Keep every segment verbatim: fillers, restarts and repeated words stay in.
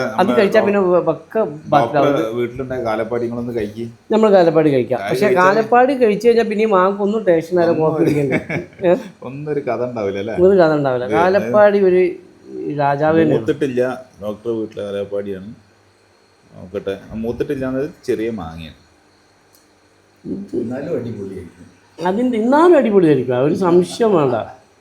അത് കഴിച്ചാൽ പിന്നെ പക്ക വീട്ടിലുണ്ടായ കാലപ്പാടികളൊന്ന് കഴിക്കും, നമ്മൾ കാലപ്പാടി കഴിക്കാം. പക്ഷെ കാലപ്പാടി കഴിച്ചു കഴിഞ്ഞാൽ പിന്നെ മാങ്ങൾക്ക് ഒന്നും ടേസ്റ്റ് നേരെ കോപ്പി പിടിക്കണ്ടേ, ഒന്നൊരു കഥ ഉണ്ടാവില്ല, ഒരു കഥ ഉണ്ടാവില്ല. കാലപ്പാടി ഒരു രാജാവ് മൂത്തിട്ടില്ല. ഡോക്ടറെ വീട്ടിലെ കാലപ്പാടിയാണ്. നോക്കട്ടെ, മൂത്തിട്ടില്ലാന്നത് ചെറിയ മാങ്ങയാണ്, എന്നാലും അടിപൊളിയായിരിക്കും. അതിൻ്റെ ഇന്നാലും അടിപൊളിയായിരിക്കും, ഒരു സംശയം വേണ്ട.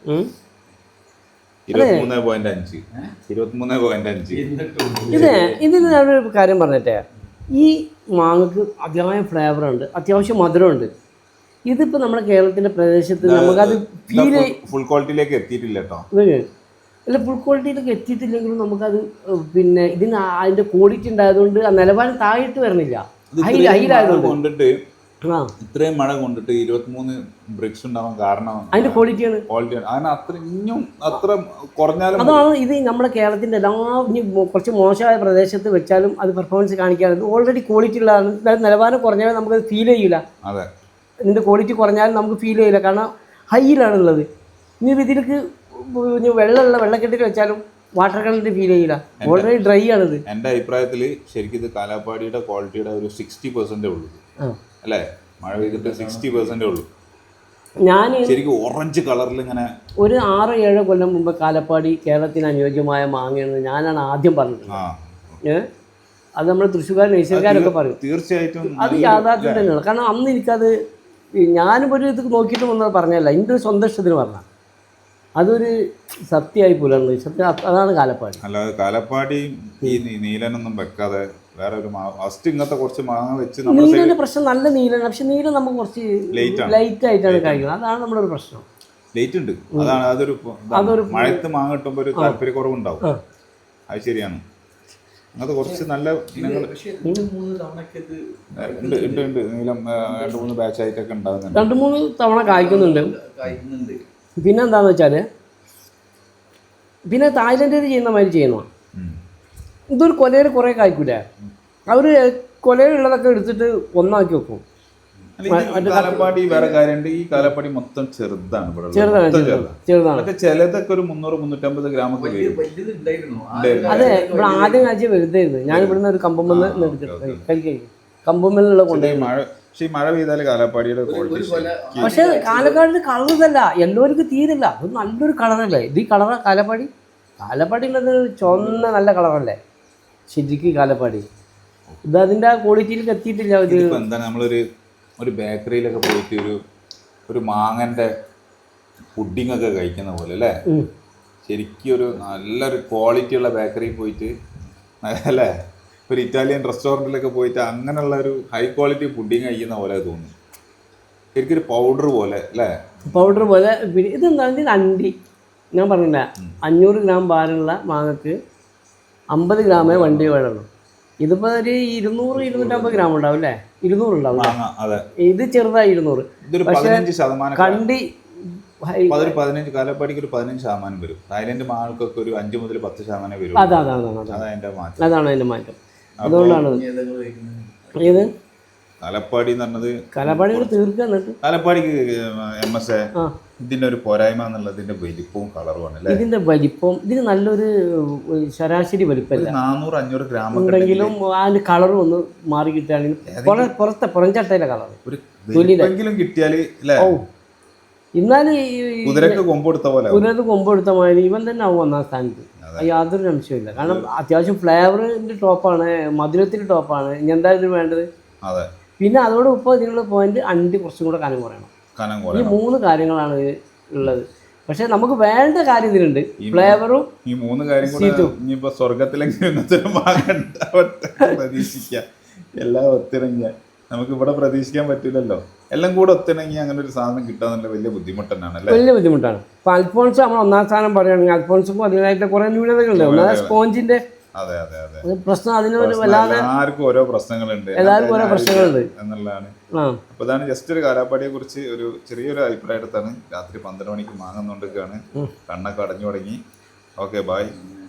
ഇരുപത്തിമൂന്ന് പോയിന്റ് അഞ്ച് ഇരുപത്തിമൂന്ന് പോയിന്റ് അഞ്ച് ഇത് ഇതിന് ഞാനൊരു കാര്യം പറഞ്ഞിട്ടേ, ഈ മാങ്ങക്ക് അതിയായ ഫ്ലേവർ ഉണ്ട്, അത്യാവശ്യം മധുരമുണ്ട്. ഇതിപ്പോൾ നമ്മുടെ കേരളത്തിൻ്റെ പ്രദേശത്ത് നമുക്കത് ഫീൽ ഫുൾ ക്വാളിറ്റിയിലേക്ക് എത്തിയിട്ടില്ല കേട്ടോ. അല്ല, ഫുൾ ക്വാളിറ്റിയിലേക്ക് എത്തിയിട്ടില്ലെങ്കിലും നമുക്കത് പിന്നെ ഇതിന് അതിൻ്റെ ക്വാളിറ്റി ഉണ്ടായതുകൊണ്ട് ആ നിലവാരം താഴെയിട്ട് വരണില്ല. കൊണ്ടിട്ട് ഇത്രയും മഴ കൊണ്ടിട്ട് ഇരുപത്തിമൂന്ന് ബ്രിക്സ് ഉണ്ടാവാൻ കാരണം അതിന്റെ ക്വാളിറ്റിയാണ് ക്വാളിറ്റിയാണ് അതിന് അത്ര ഇനിയും അത്ര കുറഞ്ഞാലും അതാണ്. ഇത് നമ്മുടെ കേരളത്തിന്റെ എല്ലാ ഇനി കുറച്ച് മോശമായ പ്രദേശത്ത് വെച്ചാലും അത് പെർഫോമൻസ് കാണിക്കാറുണ്ട്. ഓൾറെഡി ക്വാളിറ്റി ഉള്ളതാണ്. നിലവാരം കുറഞ്ഞാൽ നമുക്കത് ഫീൽ ചെയ്യില്ല. അതെ, ഇതിന്റെ ക്വാളിറ്റി കുറഞ്ഞാലും നമുക്ക് ഫീൽ ചെയ്യില്ല, കാരണം ഹൈയിലാണുള്ളത്. ഇനി ഇതിലേക്ക് വെള്ളമുള്ള വെള്ളക്കെട്ടിൽ വെച്ചാലും വാട്ടർ കണ്ടന്റ് ഫീൽ ചെയ്യില്ല, ഓൾറെഡി ഡ്രൈ ആണിത്. എൻ്റെ അഭിപ്രായത്തിൽ ശരിക്കും ഇത് കാലാപ്പാടിയുടെ ക്വാളിറ്റിയുടെ ഒരു സിക്സ്റ്റി പെർസെൻറ്റേ ഉള്ളൂ അല്ലേ? മഴ പെയ്തിട്ട് സിക്സ്റ്റി പെർസെൻറ്റേ ഉള്ളൂ. ഞാൻ ശരിക്കും ഓറഞ്ച് കളറിൽ ഇങ്ങനെ ഒരു ആറ് ഏഴ് കൊല്ലം മുമ്പ് കാലപ്പാടി കേരളത്തിന് അനുയോജ്യമായ മാങ്ങയാണെന്ന് ഞാനാണ് ആദ്യം പറഞ്ഞത്. ഏഹ് അത് നമ്മൾ തൃശ്ശൂർക്കാർ നഴ്സറിക്കാരൊക്കെ പറയും. തീർച്ചയായിട്ടും അത് യാഥാർത്ഥ്യം തന്നെയാണ്. കാരണം അന്ന് എനിക്കത് ഞാനും ഒരു ഇത് നോക്കിയിട്ട് വന്നത് പറഞ്ഞല്ല, എൻ്റെ ഒരു സ്വന്തം ഇഷ്ടത്തിന് പറഞ്ഞാൽ അതൊരു സത്യമായി പുലർന്നു. സത്യം അതാണ് കാലപ്പാടി. അല്ലാതെ കാലപ്പാടി ഈ നീലനൊന്നും വെക്കാതെ വേറെ ഒരു ഫസ്റ്റ് ഇങ്ങനത്തെ കുറച്ച് മാങ്ങ വെച്ച് നീലന്റെ പ്രശ്നം നല്ല നീലാണ്, പക്ഷെ നീലം നമുക്ക് കുറച്ച് ലൈറ്റ് ആയിട്ടാണ് കഴിക്കുന്നത്. അതാണ് നമ്മുടെ ഒരു പ്രശ്നം. ലേറ്റ് ഉണ്ട്, അതാണ് അതൊരു അതൊരു മഴത്ത് മാങ്ങ കിട്ടുമ്പോൾ ഒരു താല്പര്യക്കുറവുണ്ടാവും. അത് ശരിയാണ്. അങ്ങനത്തെ കുറച്ച് നല്ല ഇനങ്ങൾ ഉണ്ട് ഉണ്ട് ഉണ്ട് നീലം രണ്ട് മൂന്ന് ബാച്ച് ആയിട്ടൊക്കെ ഉണ്ടാകുന്നുണ്ട്. രണ്ട് മൂന്ന് തവണ കായ്ക്കുന്നുണ്ട്. പിന്നെ എന്താന്ന് വെച്ചാൽ പിന്നെ തായ്ലൻഡിൽ ചെയ്യുന്ന മാതിരി ചെയ്യുന്ന ഇതൊരു കൊലയിൽ കുറേ കായ്ക്കൂലേ, അവർ കൊലയിലുള്ളതൊക്കെ എടുത്തിട്ട് ഒന്നാക്കി വെക്കും. കാലപ്പാടി വേറെ കാര്യമുണ്ട്, ഈ കാലപ്പാടി മൊത്തം ചെറുതാണ്, ചെറുതാണ് ചെറുതാണ് ചിലതൊക്കെ ഒരു മുന്നൂറ് മുന്നൂറ്റമ്പത് ഗ്രാമൊക്കെ വരും. അതെ, ഇവിടെ ആദ്യം കാഴ്ച വലുതായിരുന്നു. ഞാൻ ഇവിടുന്ന് ഒരു കമ്പമ്മന്ന് കഴിക്കും, കമ്പമ്മലുള്ള കൊണ്ടുപോയി. മഴ പക്ഷെ ഈ മഴ പെയ്താൽ കാലപ്പാടിയുടെ പക്ഷെ കാലപ്പാടിന്റെ കളർ ഇതല്ല, എല്ലാവർക്കും തീരില്ല. അത് നല്ലൊരു കളറല്ലേ ഇത്. ഈ കളറാ കാലപ്പാടി. കാലപ്പാടി ഉള്ളത് ചുവന്ന നല്ല കളറല്ലേ ശരിക്കും കാലപ്പാടി. ഇത് അതിന്റെ ആ ക്വാളിറ്റിയിലേക്ക് എത്തിയിട്ടില്ല. ഇത് എന്താണ് നമ്മളൊരു ഒരു ബേക്കറിയിലൊക്കെ പോയിട്ട് ഒരു ഒരു മാങ്ങന്റെ പുഡിംഗ് ഒക്കെ കഴിക്കുന്ന പോലെ അല്ലേ? ശരിക്കും ഒരു നല്ലൊരു ക്വാളിറ്റി ഉള്ള ബേക്കറിയിൽ പോയിട്ട് അല്ലേ, ഒരു ഇറ്റാലിയൻ റെസ്റ്റോറൻറ്റിലൊക്കെ പോയിട്ട് അങ്ങനെയുള്ള ഒരു ഹൈ ക്വാളിറ്റി പുഡിങ് കഴിക്കുന്ന പോലെ തോന്നുന്നു. ശരിക്കും ഒരു പൗഡർ പോലെ അല്ലേ? പൗഡർ പോലെ. ഇതെന്താണ് ഇതിന് അണ്ടി ഞാൻ പറഞ്ഞില്ല, അഞ്ഞൂറ് ഗ്രാം ഭാരമുള്ള മാങ്ങക്ക് അമ്പത് ഗ്രാമേ വണ്ടി വേണുള്ളൂ. ഇതിപ്പോൾ ഒരു ഇരുന്നൂറ് ഇരുന്നൂറ്റമ്പത് ഗ്രാം ഉണ്ടാവും അല്ലേ? ഇരുന്നൂറ് ഉണ്ടാവും. ഇത് ചെറുതായി ഇരുന്നൂറ്. പക്ഷേ കണ്ടി പതിനഞ്ച് കാലപ്പാടിക്ക് ഒരു പതിനഞ്ച് ശതമാനം വരും. തായ്ലൻഡ് മാങ്ങൾക്കൊക്കെ ഒരു അഞ്ച് മുതൽ പത്ത് ശതമാനം വരും. അതാണ് അതാണ് അതിന്റെ മാറ്റം. അതാണ് അതിന്റെ മാറ്റം. അതുകൊണ്ടാണ് ഏത് കാലപ്പാടി എന്ന് പറഞ്ഞത് കാലപ്പാടി തീർക്കാൻ കാലപ്പാടിക്ക് എം എസ് എ ഇതിന്റെ ഒരു പോരായ്മ എന്നുള്ളത് ഇതിന്റെ വലിപ്പവും കളറുമാണ് അല്ലേ? ഇതിന്റെ വലിപ്പം ഇതിന് നല്ലൊരു ശരാശരി വലിപ്പമല്ല, നാനൂറ് അഞ്ഞൂറ് ഗ്രാം ഉണ്ടെങ്കിലും അതിന്റെ കളറും ഒന്ന് മാറി കിട്ടുകയാണെങ്കിൽ പുറത്തെ പുറംചട്ടയിലെ കളർ ഒരു കിട്ടിയാൽ ഓ എന്നാലും കുതിരക്ക് കൊമ്പെടുത്ത പോലെ കുതിരക്ക് കൊമ്പെടുത്ത മാതിരി ഇവൻ തന്നെ ആവും ഒന്നാം സ്ഥാനത്ത്. യാതൊരു സംശയമില്ല. കാരണം അത്യാവശ്യം ഫ്ലേവറിന്റെ ടോപ്പാണ്, മധുരത്തിന്റെ ടോപ്പാണ്. ഇനി എന്തായാലും വേണ്ടത്. പിന്നെ അതോടൊപ്പം ഇതിനുള്ള പോയിന്റ് അണ്ടി കുറച്ചും കൂടെ കനം കുറയണം. ഈ മൂന്ന് കാര്യങ്ങളാണ് ഉള്ളത്. പക്ഷെ നമുക്ക് വേണ്ട കാര്യം ഇതിലുണ്ട്, ഫ്ലേവറും ഈ മൂന്ന് കാര്യം. ഇനിയിപ്പോ സ്വർഗത്തിലെങ്കിലും പ്രതീക്ഷിക്കാം. എല്ലാം ഒത്തിണങ്ങിയ നമുക്ക് ഇവിടെ പ്രതീക്ഷിക്കാൻ പറ്റില്ലല്ലോ. എല്ലാം കൂടെ ഒത്തിണങ്ങി അങ്ങനെ ഒരു സാധനം കിട്ടാന്നുള്ള വലിയ ബുദ്ധിമുട്ട് തന്നെയാണ്, വലിയ ബുദ്ധിമുട്ടാണ്. ഇപ്പൊ അൽഫോൺസ് നമ്മൾ ഒന്നാം സ്ഥാനം പറയുകയാണെങ്കിൽ അൽഫോൺസും അതിനായിട്ട് കുറെ ന്യൂനതകളുണ്ട്. ഒന്നാമത് സ്പോഞ്ചിന്റെ പ്രശ്നം, അതിനൊരു വല്ലാതെ എല്ലാവർക്കും ഓരോ പ്രശ്നങ്ങളുണ്ട്, എല്ലാവർക്കും ഓരോ പ്രശ്നങ്ങളുണ്ട് എന്നുള്ളതാണ്. അപ്പൊ ഇതാണ് ജസ്റ്റ് ഒരു കാലാപ്പാടിയെ കുറിച്ച് ഒരു ചെറിയൊരു അഭിപ്രായം എടുത്താണ്. രാത്രി പന്ത്രണ്ട് മണിക്ക് മാങ്ങുന്നോണ്ടിരിക്കുകയാണ്, കണ്ണൊക്കെ അടഞ്ഞു തുടങ്ങി. Okay, by.